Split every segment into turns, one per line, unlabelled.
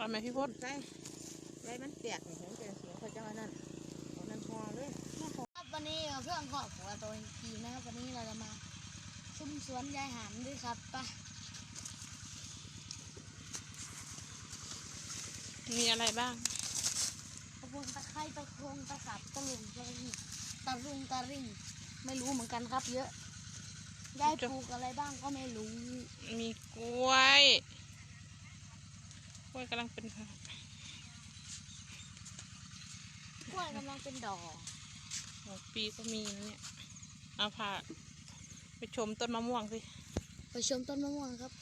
เอาไหมพี่พจน์
ใส่ไรมันแตกเห็นเป็นเสียงเขาเจ้านั่นเอานั่นพอเลย
ครับวันนี้เพื่อนขอบหัวตัวกีนะครับวันนี้เราจะมาชุ่มสวนยายหามด้วยครับปะ
มีอะไรบ้าง
ตะพงตะไคร้ตะโคงตะสับตะลุงตะริงตะรุงตะริ่งไม่รู้เหมือนกันครับเยอะยายปลูกอะไรบ้างก็ไม่รู้
มีกล้วยกำลังเป็น
กล้วยกำลังเป็นดอก
หัวปีก็มีนะเนี่ยเอาพาไปชมต้นมะม่วงสิ
ไปชมต้นมะม่วงครับ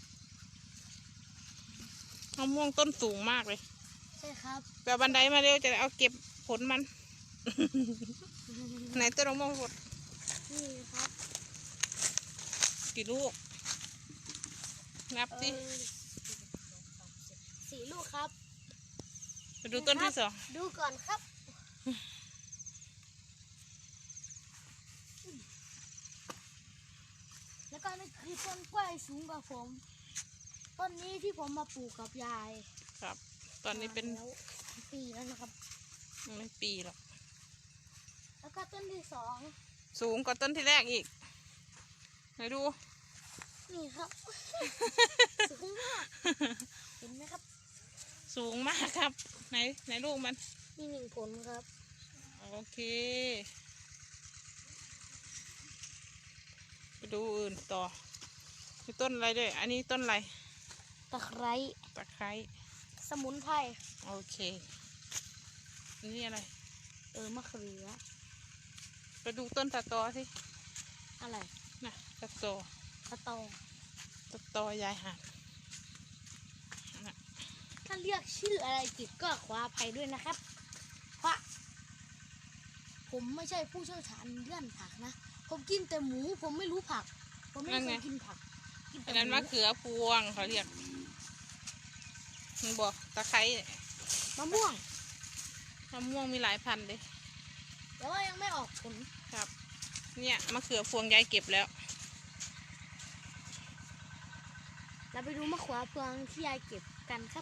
มะม่วงต้นสูงมากเลย
ใช่ครับ
แบบบันไดมาเร็วจะได้เอาเก็บผลมัน ไหนต้นมะม่วงหมด
นี่ครับ
กี่ลูกนับสิ
4 ลูกครับ
ไปดูต้นที่สอง
ดูก่อนครับแล้วก็นี่คือต้นกล้วยสูงกว่าผมต้นนี้ที่ผมมาปลูกกับยาย
ครับ ตอนนี้เป็น
แล้วปีแล้วนะครับ
ไม่ปีหรอก
แล้วก็ต้นที่สอง
สูงกว่าต้นที่แรกอีกไหนดู
นี่ครับ สูงมากเห็นไหมครับ
สูงมากครับไหนลูกมัน
นี่1 ผลครับ
โอเคไปดูอื่นต่อมีต้นอะไรด้วยอันนี้ต้นอะไร
ตะไคร้
ตะไคร้
สมุนไพร
โอเคอันนี้อะไร
มะเขือ
ไปดูต้นตะตอสิ
อะไร
น่ะตะตอ
ตะตอ
ตะตอยายหาดน่ะ
ถ้าเรียกชื่ออะไรผิดก็ขออภัยด้วยนะครับเพราะผมไม่ใช่ผู้เชี่ยวชาญเรื่องผักนะผมกินแต่หมูผมไม่รู้ผักผมไม่เคยกินผักกิน
อั
แต่
น
ห
นั้น
มู
มะเขือพวงเขาเรียกมันบอกตะไคร้
มะม่วง
มะม่วงมีหลายพันธุ์เลย
แต่ว่ายังไม่ออกผล
ครับเนี่ยมะเขือพวงยายเก็บแล้ว
เราไปดูมะขวาพวงที่ยายเก็บกันครับ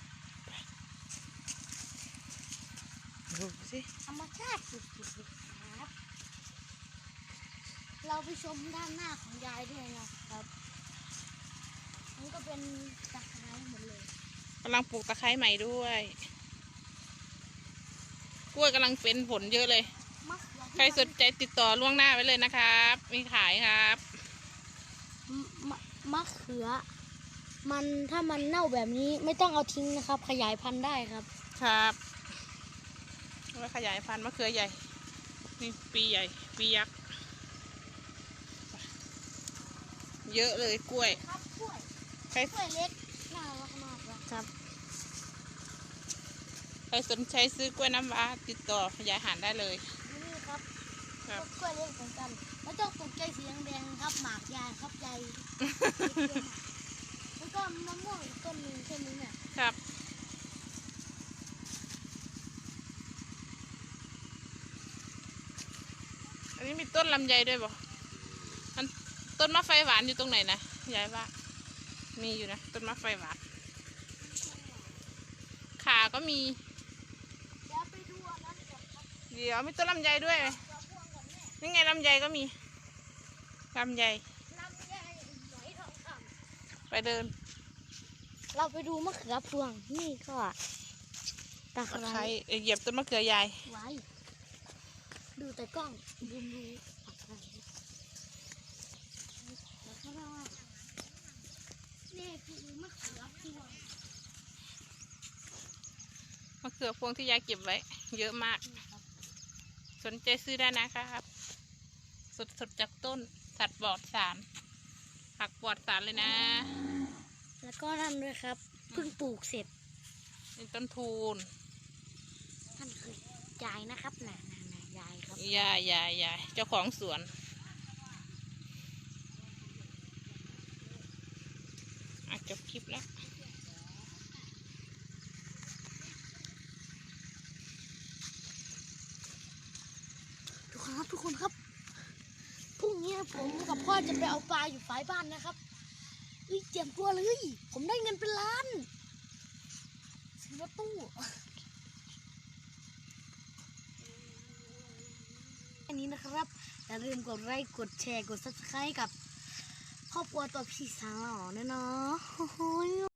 ดูสิ
ธรรมชาติสุดๆเลยครับเราไปชมด้านหน้าของยายด้วยนะครับมันก็เป็นตะไคร้หมดเลย
กำลังปลูกตะไคร้ใหม่ด้วยกล้วยกำลังเป็นผลเยอะเลย
มะเขือ
ใครสนใจติดต่อล่วงหน้าไว้เลยนะครับ มีขายครับ
มะเขือมันถ้ามันเน่าแบบนี้ไม่ต้องเอาทิ้งนะครับ ขยายพันธุ์ได้ครับ
ครับไว้ขยายพันธุ์มะเขือใหญ่นี่ปีใหญ่ปียักษ์เยอะเลยกล้วย
ครับกล้วย
ใคร
กล้วยเล็กน่ารักมากเลยครับ
ใครสนใจซื้อกล้วยน้ำว้าติดต่อขยายหารได้เลย
นี่ครับ
ครับ
กล้วยเล็กเหมือนกันแล้วต้องตกใจสีแดงๆครับหมากยายครับยายแล้วก็มะม่วงอีกต้นหนึงใช่ไหมเนี่ย
ครับ อันนี้มีต้นลำไยด้วยบ่มันต้นมะไฟหวานอยู่ตรงไหนนะยายว่า มีอยู่นะต้นมะไฟหวานขาก็มี
เดี๋ยวไปดูอันนั้นก่อนครับ
เดี๋ยวมีต้นลำไยด้วย
มะม่วงก่อนแม่
นี่ไงลำไยก็มีลำไย
ลำไยหอยทองค
ไปเดิน
ำเราไปดูมะเขือพวงนี่ก็ตะไค
ตะไค
ร้
ร้เหยียบต้นมะเขือยาย
ไว้ดูแต่กล้องดูตะไคร้แล้วก็นี่คือมะเขือพวง
มะเขือพวงที่ยายเก็บไว้ เยอะมาก สนใจซื้อได้นะครับ สดจากต้นสัตว์ปลอดสารผักปลอดสารเลยนะ
แล้วก็นั่นด้วยครับเพิ่งปลูกเสร็จ
นี่ต้นทูน
ท่านคือยายนะครับน่ะยายครับ
ยายเจ้าของสวนจบคลิปแล้ว
ทุกคนครับพรุ่งนี้ผมกับพ่อจะไปเอาปลาอยู่ฝ่ายบ้านนะครับเตรียมตัวเลยผมได้เงินเป็นล้านซื้อรถนี้นะครับอย่าลืมกดไลค์กดแชร์กด subscribe กับครอบครัวตัวพี่สาวด้วยเนาะ